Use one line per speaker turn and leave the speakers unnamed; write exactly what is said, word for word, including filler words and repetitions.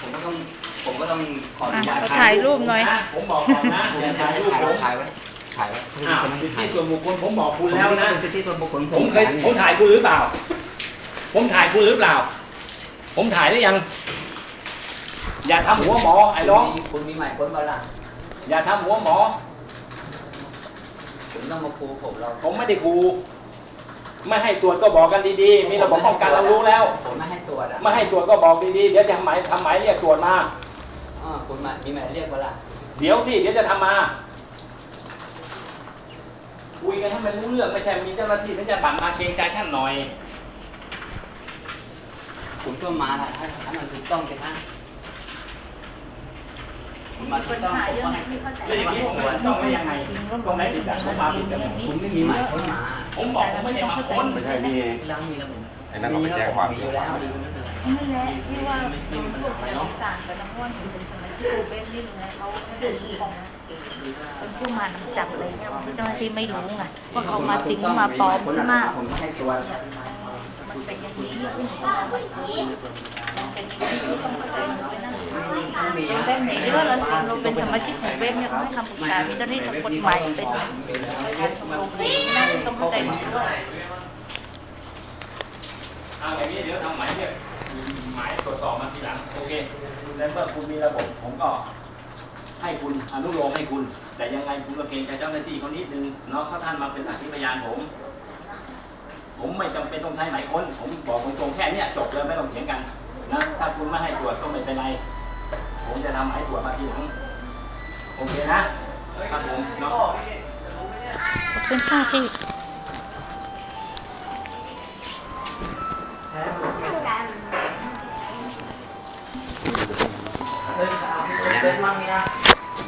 ผมก็ต้องผมก็ต้องขออนุญาต
ถ่ายรูปหน่อย
ผมบอกก่อนนะอย่าถ่ายรูปผม
ถ่ายไว้ถ่ายไว้
อ้าวสิทธิส่วนบุคคลผมบอกคุณแล้วนะ
สิทธิส่วนบุคคล
ผมเคยผมถ่ายคุณหรือเปล่าผมถ่ายคุณหรือเปล่าผมถ่ายได้ยังอย่าทำหัวหมอไอ้น้อง
คุณมีหมายค้นมาละ
อย่าทำหัวหมอ
ผมต้องมาคูผมเรา
ผมไม่ได้คูไม่ให้ตรวจก็บอกกันดีๆมีระบบป้องกันเรารู้แล้ว
ผมไม่ให้ตรวจ
ไม่ให้ตรวจก็บอกดีๆเดี๋ยวจะทำหมายทำหมายเรียกตรวจมา
อ๋อคุณมามีหมายเรียกมาละ
เดี๋ยวที่เดี๋ยวจะทำมาคุยกันให้มันรู้เรื่องไม่ใช่มีเจ้าหน้าที่ฉันจะบั่นมาเกรงใจท่านหน่อย
ผมก็มาถ้าถ้ามันถูกต้องสิฮะผมมาถูกต้องผมว่า
แล้วอย่างนี้ผมไม่ต้องไม่ยังไงต้องไหนผิดอ่ะผมมาผิดกัน
ผมไม่มีหมายค้นมา
ผมบอกผมไม่ได้มาค้น
ไม่ใช่มีไอ้นั่นก็ไปแจ้งความ
อยู่แล้ว
ไม่แหละที่ว่าโดนพวกเอกสารไปทั้งวันถึงเป็นสมัยที่โอเบนนี่ไงเขาไม่ได้ของเป็นผู้มานำจับอะไรเนี่ยเจ้าหน้าที่ไม่รู้ไงว่าเขามาจริงมาปลอมใช่ไหม
ผมให้ตัว
มันเป็นอย่างนี้ขึ้นมาแบบนี้มันเป็นอย่างนี้ต้องเข้าใจหนูเลยนะเว็บไหนเยอะแล้วเราเป็นสมาชิกของเว็บเนี่ยเขาให้คำปรึกษามีเจ้าหน้าที่ทางกฎหมายเป็นการชมรมเลยนะต้องเข้าใจหนูด้วย
เอาอย่างนี้เดี๋ยวทำหมายเรียกหมายตรวจสอบมาทีหลังโอเคแล้วเมื่อคุณมีระบบผมก็ให้คุณอนุโลมให้คุณแต่ยังไงคุณก็เกรงใจเจ้าหน้าที่เขานิดนึงเนาะเขาท่านมาเป็นสักขีพยานผมผมไม่จำเป็นต้องใช้หมายค้นผมบอกตรงๆแค่นี้จบเลยไม่ต้องเถียงกันนะถ้าคุณไม่ให้ตรวจก็ไม่เป็นไรผมจะทำหมายตรวจมาทีหลังโอเคนะครับผมเนาะ
ขอบคุณค่ะพี่
เดินสาวเดินมั่งเนี่ย